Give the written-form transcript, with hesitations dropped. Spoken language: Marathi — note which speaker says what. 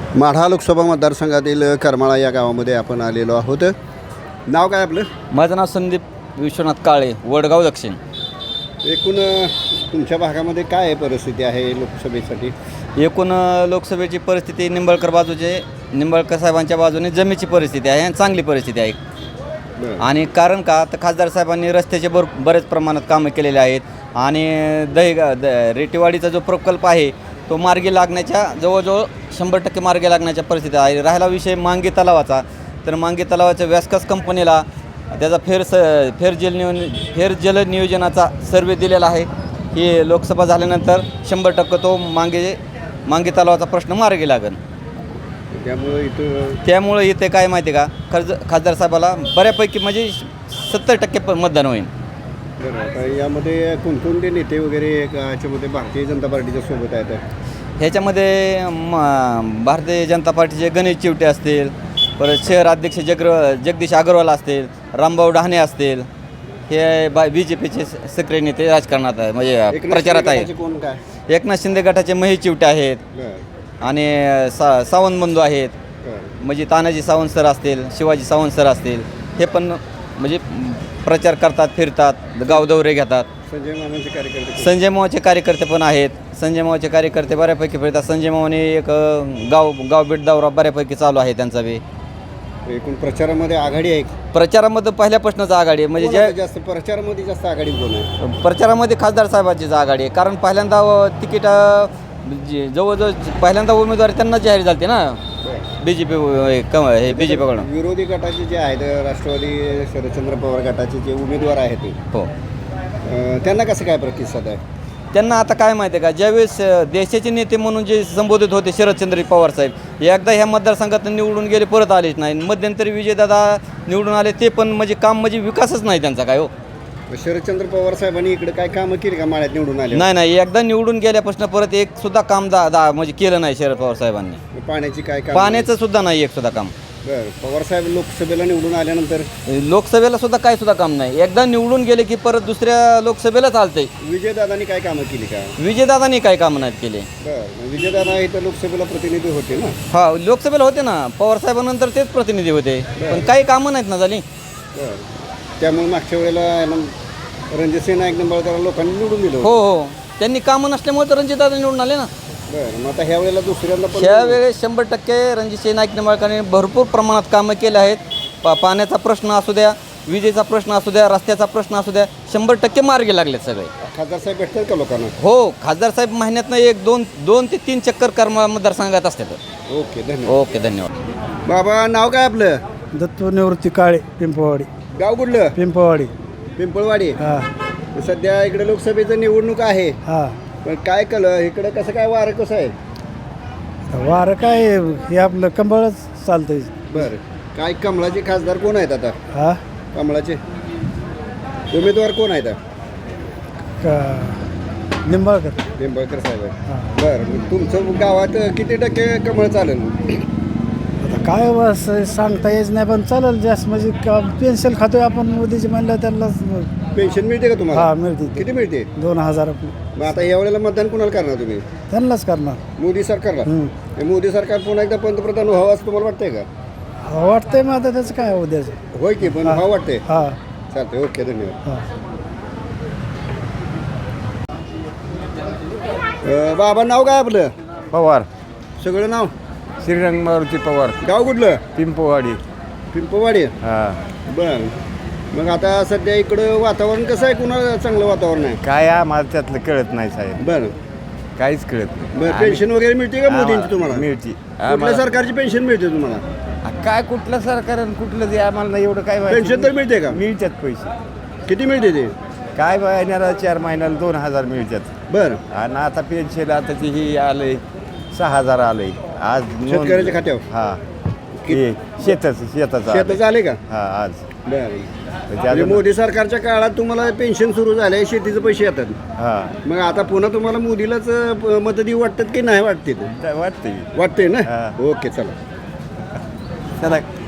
Speaker 1: माढा लोकसभा मतदारसंघातील करमाळा या गावामध्ये आपण आलेलो आहोत. नाव काय आपलं?
Speaker 2: माझं नाव संदीप विश्वनाथ काळे, वडगाव दक्षिण.
Speaker 1: एकूण तुमच्या भागामध्ये काय आहे परिस्थिती आहे लोकसभेसाठी?
Speaker 2: एकूण लोकसभेची परिस्थिती निंबाळकर साहेबांच्या बाजूने जमीची परिस्थिती आहे आणि चांगली परिस्थिती आहे. आणि कारण का तर खासदार साहेबांनी रस्त्याचे बरेच प्रमाणात कामं केलेले आहेत आणि रेटीवाडीचा जो प्रकल्प आहे तो मार्गी लागण्याच्या जवळजवळ 100% मार्गी लागण्याच्या परिस्थिती आहे. राहिला विषय मांगी तलावाचा, तर मांगी तलावाच्या व्यासकास कंपनीला त्याचा फेर जल नियोजनाचा सर्वे दिलेला आहे. ही लोकसभा झाल्यानंतर 100% तो मांगी तलावाचा प्रश्न मार्गी लागेल. त्यामुळे इथे काय माहिती आहे का, खासदार साहेबाला बऱ्यापैकी म्हणजे 70% मतदान होईल.
Speaker 1: आता यामध्ये कोणकोणते नेते वगैरे याच्यामध्ये भारतीय जनता पार्टीच्या सोबत आहेत?
Speaker 2: ह्याच्यामध्ये भारतीय जनता पार्टीचे गणेश चिवटे असतील, परत शहर अध्यक्ष जगदीश अग्रवाल असतील, रामभाऊ डहाणे असतील. हे BJPचे सक्रिय नेते राजकारणात आहे, म्हणजे प्रचारात आहे.
Speaker 1: कोण काय?
Speaker 2: एकनाथ शिंदे गटाचे महेश चिवटे आहेत आणि सावंत बंधू आहेत. म्हणजे तानाजी सावंत सर असतील, शिवाजी सावंत सर असतील. हे पण म्हणजे प्रचार करतात, फिरतात, गाव दौरे घेतात. संजय मावाचे कार्यकर्ते पण आहेत. संजय मावाचे कार्यकर्ते बऱ्यापैकी फिरतात. संजय मावाने एक गाव भेट दौरा बऱ्यापैकी चालू आहे त्यांचा बी.
Speaker 1: एकूण प्रचारामध्ये आघाडी आहे?
Speaker 2: प्रचारामध्ये पहिल्यापासूनच आघाडी आहे. म्हणजे
Speaker 1: जास्त प्रचारामध्ये जास्त आघाडी कोण आहे?
Speaker 2: प्रचारामध्ये खासदार साहेबांचीच आघाडी आहे. कारण पहिल्यांदा तिकीट जवळजवळ पहिल्यांदा उमेदवारी त्यांना जाहीर झाली ना, BJPकडून.
Speaker 1: विरोधी गटाचे जे आहेत, राष्ट्रवादी शरदचंद्र पवार गटाचे जे उमेदवार आहेत
Speaker 2: हो,
Speaker 1: त्यांना कसं काय प्रतिसाद आहे?
Speaker 2: त्यांना आता काय माहिती आहे का, ज्यावेळेस देशाचे नेते म्हणून जे संबोधित होते शरदचंद्र पवार साहेब, एकदा ह्या मतदारसंघात निवडून गेले, परत आलेच नाही. मध्यंतरी विजयदादा निवडून आले, ते पण म्हणजे काम म्हणजे विकासच नाही त्यांचा काय. हो,
Speaker 1: शरदचंद्र पवार साहेबांनी इकडे काय कामं केली का माळ्यात निवडून आले?
Speaker 2: नाही, एकदा निवडून गेल्यापासून परत एक सुद्धा काम म्हणजे केलं नाही शरद पवार साहेबांनी.
Speaker 1: पाण्याची काय काम?
Speaker 2: पाण्याचं सुद्धा नाही एक सुद्धा काम.
Speaker 1: बरं, पवार साहेब लोकसभेला निवडून आल्यानंतर
Speaker 2: लोकसभेला सुद्धा काय सुद्धा काम नाही. एकदा निवडून गेले की परत दुसऱ्या लोकसभेला चालतंय.
Speaker 1: विजयदादांनी काय कामं केली का?
Speaker 2: विजयदादांनी काय कामं नाहीत केले.
Speaker 1: बरं, विजयदादा इथं लोकसभेला प्रतिनिधी होते ना?
Speaker 2: हा, लोकसभेला होते ना, पवार साहेबांनंतर तेच प्रतिनिधी होते, पण काही कामं नाहीत ना झाली.
Speaker 1: बरं, त्यामुळे मागच्या वेळेला रणजितसिंह नाईक निंबाळकर लोकांनी निवडून दिलं.
Speaker 2: हो, त्यांनी कामं नसल्यामुळे तर रणजितदादा निवडून आले ना.
Speaker 1: बरं, मग आता ह्या वेळेला दुसऱ्यांदा
Speaker 2: ह्यावेळेस 100% रणजितसिंह नाईक निंबाळकरांनी भरपूर प्रमाणात कामं केले आहेत. पाण्याचा प्रश्न असू द्या, विजेचा प्रश्न असू द्या, रस्त्याचा प्रश्न असू द्या, 100% मार्गी लागलेत सगळे.
Speaker 1: खासदार साहेब भेटतात का लोकांना?
Speaker 2: हो, खासदार साहेब महिन्यातनं 2 ते 3 चक्कर करमाळा मतदारसंघात असतात.
Speaker 1: ओके, धन्यवाद.
Speaker 2: धन्यवाद.
Speaker 1: बाबा, नाव काय आपलं?
Speaker 3: दत्तू निवृत्ती काळे, पिंपळवाडी.
Speaker 1: गाव कुठलं? पिंपळवाडी.
Speaker 3: हां
Speaker 1: सध्या इकडे लोकसभेचं निवडणूक आहे.
Speaker 3: हां,
Speaker 1: पण काय केलं इकडे, कसं काय वारं कसं आहे?
Speaker 3: वारं काय हे आपलं कंबळच चालतंय.
Speaker 1: बरं, काय कमळाचे खासदार कोण आहेत आता?
Speaker 3: हां,
Speaker 1: कमळाचे उमेदवार कोण आहेत?
Speaker 3: निंबाळकर
Speaker 1: साहेब आहे.
Speaker 3: हां.
Speaker 1: बरं, मग तुमचं गावात किती टक्के कमळ चालेल?
Speaker 3: आता काय बस सांगता येत नाही, पण चालेल जास्त. म्हणजे पेन्शन खातोय आपण मोदीची म्हणलं, त्यांना
Speaker 1: पेन्शन मिळते का तुम्हाला?
Speaker 3: हां, मिळते.
Speaker 1: किती मिळते?
Speaker 3: 2000.
Speaker 1: मग आता या वेळेला मतदान कोणाला करणार तुम्ही?
Speaker 3: त्यांनाच करणार.
Speaker 1: मोदी सरकारला? हे मोदी सरकार पुन्हा एकदा पंतप्रधान व्हावं असं तुम्हाला वाटतंय का?
Speaker 3: वाटतंय मग आता त्याचं काय उद्याचं.
Speaker 1: होय की, पण व्हावं वाटतंय?
Speaker 3: हां,
Speaker 1: चालतंय. ओके, धन्यवाद.
Speaker 3: हां.
Speaker 1: बाबा, नाव काय आपलं?
Speaker 4: पवार,
Speaker 1: सगळं नाव?
Speaker 4: श्रीरंग मारुती पवार,
Speaker 1: गाव कुठलं?
Speaker 4: पिंपवाडी.
Speaker 1: हां. बरं, मग आता सध्या इकडं वातावरण कसं आहे? कुणाला चांगलं वातावरण आहे?
Speaker 4: काय आम्हाला त्यातलं कळत नाही साहेब,
Speaker 1: बरं.
Speaker 4: काहीच कळत नाही.
Speaker 1: बरं, पेन्शन वगैरे मिळते का मोदींची तुम्हाला?
Speaker 4: मिळते.
Speaker 1: कुठल्या सरकारची पेन्शन मिळते तुम्हाला?
Speaker 4: काय कुठलं सरकार आणि कुठलं ते आम्हाला नाही एवढं काय माहिती.
Speaker 1: पेन्शन तर मिळते का?
Speaker 4: मिळतात पैसे.
Speaker 1: किती मिळते ते?
Speaker 4: काय महिन्याला 4 महिन्याला 2000 मिळतात.
Speaker 1: बरं.
Speaker 4: आणि आता पेन्शन आता ते ही आलंय 6000 आलंय आज
Speaker 1: शेतकऱ्याच्या खात्यावर?
Speaker 4: हां, हे शेताचं
Speaker 1: शेताचं आले का?
Speaker 4: हां, आज.
Speaker 1: बरं, म्हणजे मोदी सरकारच्या काळात तुम्हाला पेन्शन सुरू झाले, शेतीचे पैसे येतात.
Speaker 4: हां,
Speaker 1: मग आता पुन्हा तुम्हाला मोदीलाच मतं देऊ वाटतात की नाही वाटते?
Speaker 4: वाटते.
Speaker 1: वाटते ना?
Speaker 4: हां.
Speaker 1: ओके, चला.
Speaker 4: चला.